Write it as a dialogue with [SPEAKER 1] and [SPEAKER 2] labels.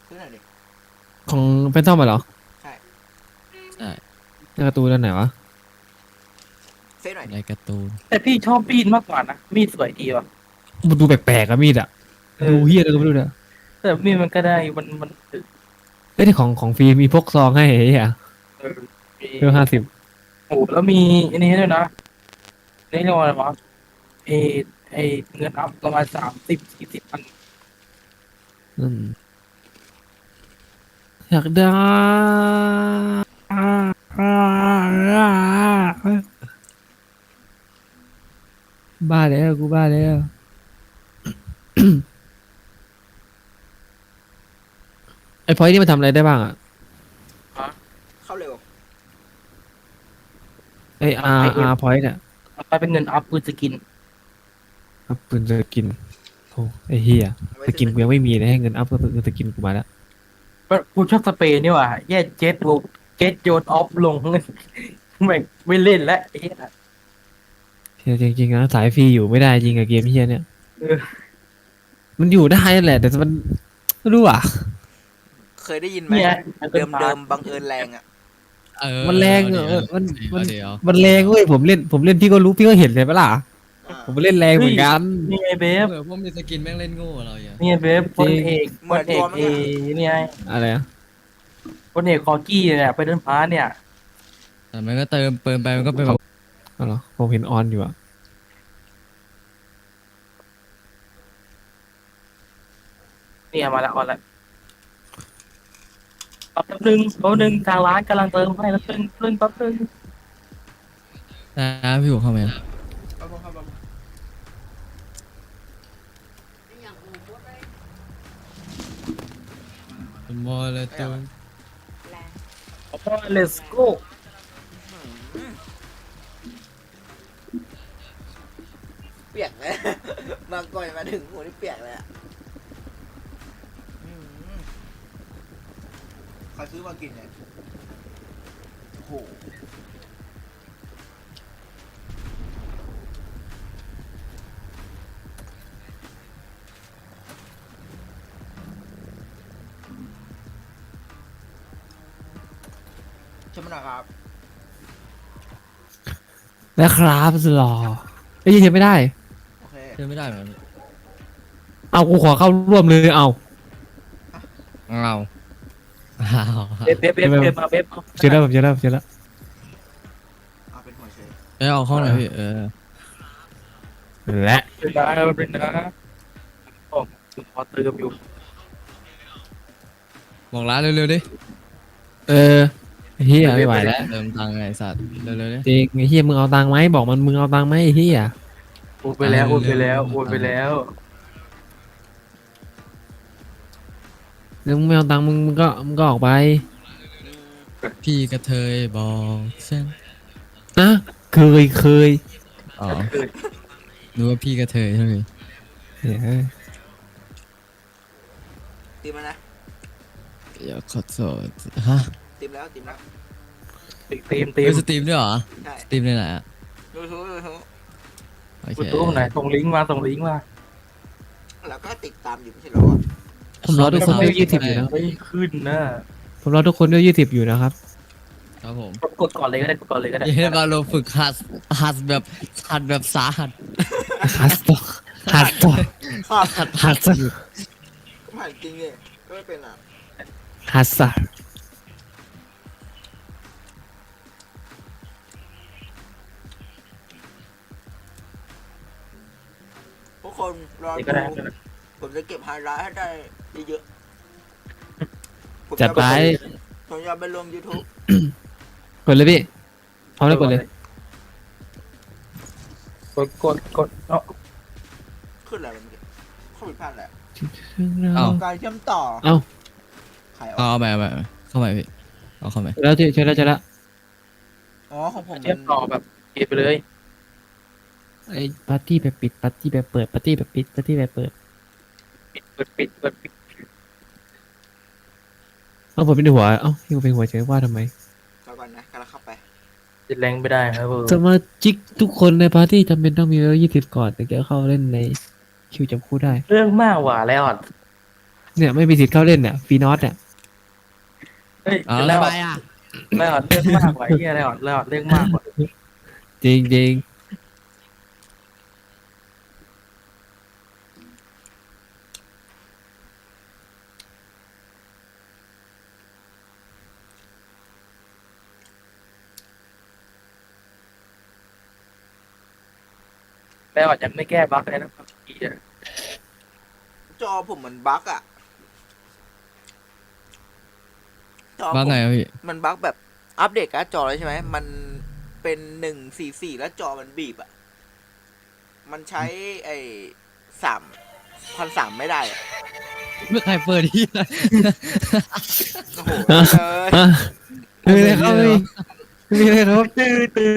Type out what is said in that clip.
[SPEAKER 1] ซื้อหน่อยดิ
[SPEAKER 2] ของเป็นต้อมมาเหรอ
[SPEAKER 1] ใช่
[SPEAKER 3] ใช่
[SPEAKER 2] ในการ์ตูนอันไหนวะ
[SPEAKER 1] ซื้อหน่อยดิ
[SPEAKER 3] ในการ์ตูน
[SPEAKER 4] แต่พี่ชอบมีดมากกว่านะมีดสวยดีว่ะ
[SPEAKER 2] มันดูแปลกๆอะมีดอะ
[SPEAKER 4] เออ
[SPEAKER 2] ดูเฮี้ยอะไรก็ไม่รู้เนี่ย
[SPEAKER 4] แต่มีดมันก็ได้มัน
[SPEAKER 2] เอ้ยที่ของฟรีมีพกซองให้ไอ้เหี้ย
[SPEAKER 4] เออมี
[SPEAKER 2] เพิ่ม50
[SPEAKER 4] โอ้แล้วมีอันนี้ด้วยนะนี่เรียกว่าอะไรวะเอเอเงินอัพประมาณ30-40 พัน
[SPEAKER 2] อืมอยากได้บ้าแล้วกูบ้าแล้วไอ้พอยนี่มันทำอะไรได้บ้างอะ
[SPEAKER 1] เข้าเร็ว
[SPEAKER 2] ไอ้อาร์พอยเนี่ย
[SPEAKER 4] ไปเป็นเงินอัพปืนสกิน
[SPEAKER 2] อัพปืนจะกินโอ้ไอ้เหี้ย
[SPEAKER 1] เอาไว้
[SPEAKER 2] สกิน
[SPEAKER 1] ซื้อ
[SPEAKER 2] กูยังไม่มีเลยให้เงินอัพก็จะกินกูมาแล้ว
[SPEAKER 4] กูชอบสเปรย์นี่ว่ะแย่เจ็ตบุกเจ็ตโยนออฟลงไม่เล่นแล้วไอ้เหี้ย
[SPEAKER 2] เฮียจริงๆนะสายฟรีอยู่ไม่ได้จริงกับเกมเฮียเนี่ย
[SPEAKER 4] เออ
[SPEAKER 2] มันอยู่ได้นั่นแหละแต่มันไม่รู้อ่ะ
[SPEAKER 1] เคยได้ยินไหม
[SPEAKER 4] เนี่ย
[SPEAKER 1] เดิมเดิมบังเอิญแรงอ่ะ
[SPEAKER 2] มันแรง
[SPEAKER 3] เดี๋ยว
[SPEAKER 2] มัน
[SPEAKER 3] เดี๋ยว
[SPEAKER 2] มันแรงเว้ยผมเล่นพี่ก็รู้พี่ก็เห็นเลยปะล่ะ
[SPEAKER 1] อ่า
[SPEAKER 2] ผมเล่นแรงเหมือนกัน
[SPEAKER 4] นี่ไงเบฟ
[SPEAKER 3] พวกมีสกินแม่งเล่นโง่เราอย่าง
[SPEAKER 4] นี่ไงเบฟพลเอกพลเอกนี่ไง
[SPEAKER 2] อะไรอ่ะ
[SPEAKER 4] พลเอกคอกี้เนี่ยไปเดินพาเนี่ย
[SPEAKER 3] แต่มันก็เติมเปิมไปมันก็เป็นแบบ
[SPEAKER 2] อ๋อเหรอผมเห็นออนอยู่อ่ะ
[SPEAKER 4] เนี่ยมาแล้วออนแล้วแป๊บนึงทางร้านกำลังเติมให้แล้วแป๊บนึง
[SPEAKER 3] นะพี่หัวเข้ามา
[SPEAKER 1] เอาเข้ามา
[SPEAKER 3] โมเลตุน
[SPEAKER 4] โอ้ let's go
[SPEAKER 1] เปียกเลย บางก่อนมาถึงหัวนี่เปียกเลยอ่ะใครซื้อมากินเนี่ยโอ้โหใช่ไหมนะครับ
[SPEAKER 2] แล้วครับสุดหล่อเอ้ยยังไม่ได้
[SPEAKER 1] โอเค
[SPEAKER 3] เชื่อไม่ได้เหมือนกัน
[SPEAKER 2] เอากูขอเข้าร่วมเลยเอา
[SPEAKER 3] เอาเอา
[SPEAKER 4] เบฟมาเบฟ
[SPEAKER 2] เจอแล้วผมเจอแล้วเจอแล้ว
[SPEAKER 1] เอาเป็นหัวเชย
[SPEAKER 3] เอาเข้าหน่อยพี่
[SPEAKER 2] และ
[SPEAKER 4] เป็นนะผมพอเติมอยู่
[SPEAKER 3] บอกร้านเร็วๆดิ
[SPEAKER 2] เออเฮียไม่ไหวแล้ว
[SPEAKER 3] เติมตังค์ไอ้สัตว์เร็วๆดิ
[SPEAKER 2] จริงไอ้เฮียมึงเอาตังค์ไหมบอกมันมึงเอาตังค์ไหมไอ้เฮีย
[SPEAKER 4] โอนไปแล้วโอนไปแล้วโอนไปแล้ว
[SPEAKER 2] แล้วมึงไม่เอาตังค์มึงก็ออกไป
[SPEAKER 3] พี่กระเทยบอกฉัน
[SPEAKER 2] นะเคย
[SPEAKER 3] อ๋อนึกว่าพี่กระเทยใช่ไหม
[SPEAKER 2] เฮ้ย
[SPEAKER 1] ตีมแล้วนะ
[SPEAKER 3] อย่าขอโทษฮะ
[SPEAKER 1] ตีมแล้วตีมแล้ว
[SPEAKER 4] ตีม
[SPEAKER 3] เฮ้ยสตรีมด้วยเหรอ
[SPEAKER 1] ใช่
[SPEAKER 3] สตรีมในไหนอ่ะ
[SPEAKER 1] ดูทูดูทู
[SPEAKER 3] โอเค
[SPEAKER 4] กูตู้ไหนส่งลิงก์มา
[SPEAKER 1] แล้วก็ติดตามอยู่ไม่ใช่เหรอ
[SPEAKER 2] ผมรอทุกคนด้วย20อยู่นะ
[SPEAKER 4] ไม่ขึ้นนะ
[SPEAKER 2] ผมรอทุกคนด้วย20อยู่นะครับ
[SPEAKER 3] ครับผม
[SPEAKER 4] กดก่อนเลยก็ได้กดก่อนเลยก็ได้
[SPEAKER 3] เย้มาลงฝึกหัดแบบสาหัส
[SPEAKER 2] ฮัสต่อฮัสต่อ
[SPEAKER 1] ครับ
[SPEAKER 2] ฮัสต่อ
[SPEAKER 1] ผ่านจริงเลยก็ไม่เป็นอ่ะ
[SPEAKER 2] ฮัสต่อ
[SPEAKER 1] ทุกคนรอ
[SPEAKER 4] ก็ได้
[SPEAKER 1] ดูผมจะเก็บไฮไลท์ให้ได้เยอะๆผม
[SPEAKER 2] จัดไป
[SPEAKER 1] ผมจะไปลง YouTube
[SPEAKER 2] กดเลยพี่เอาเลยกดเลย
[SPEAKER 4] กดเนาะ
[SPEAKER 1] ขึ้นอะไรเมื่อกี้เข้าผิดพลาดแหละ
[SPEAKER 3] เอ้า
[SPEAKER 1] การเชื่อมต่อ
[SPEAKER 2] เอ้า
[SPEAKER 1] ขายออก
[SPEAKER 3] เอาไปเข้าไปพี่เอาเข้าไป
[SPEAKER 2] แล้วเจอแล้ว
[SPEAKER 1] อ๋อของผม
[SPEAKER 4] เทียบต่อแบบเก็บไปเลย
[SPEAKER 2] ไอ้ปาร์ตี้แบบปิดปาร์ตี้แบบเปิดปาร์ตี้แบบปิดปาร์ตี้แบบเปิด
[SPEAKER 4] ปิด
[SPEAKER 2] เอ้าผมเป็นหัวเอ้าพี่เป็นหัวเฉยว่าทำไม
[SPEAKER 1] แล้วก่อนนะกำลังเข้าไป
[SPEAKER 4] ติดแรงไม่ได้ครับผม
[SPEAKER 2] สมาชิกทุกคนในปาร์ตี้จำเป็นต้องมีเลเวล20ก่อนถึงจะเข้าเล่นในคิวจับคู่ได้
[SPEAKER 4] เรื่องมากหว่าแล้วอ่ะ
[SPEAKER 2] เนี่ยไม่มีสิทธิ์เข้าเล่นเนี่ยฟีนอสเนี่ย
[SPEAKER 4] เฮ้ย
[SPEAKER 3] อ๋อ
[SPEAKER 4] แล้
[SPEAKER 3] ทำ
[SPEAKER 4] ว
[SPEAKER 3] ไมอ่ะ
[SPEAKER 4] แล้วเรื่องมากกว่าไอ้เหี้ยแล้วเรื่องมากกว่า
[SPEAKER 2] จริงจริง
[SPEAKER 4] แล้วยังไม่แก้บั๊กเลยนะครับพี่อะ
[SPEAKER 1] จอผมมันบั๊กอ่ะจอผม
[SPEAKER 3] บ้านไหนอะพี่
[SPEAKER 1] มันบั๊กแบบอัปเดตการ์ดจอเลยใช่ไหมมันเป็น144แล้วจอมันบีบอ่ะมันใช้ไอ้3,300ไม่ได้อ่ะ
[SPEAKER 3] ไม่ใครเปิดที่เลย
[SPEAKER 1] โอ้โหเลย
[SPEAKER 2] ๆไม่มีอะไรครับไม่มีอะไรครับ
[SPEAKER 4] ตื้อ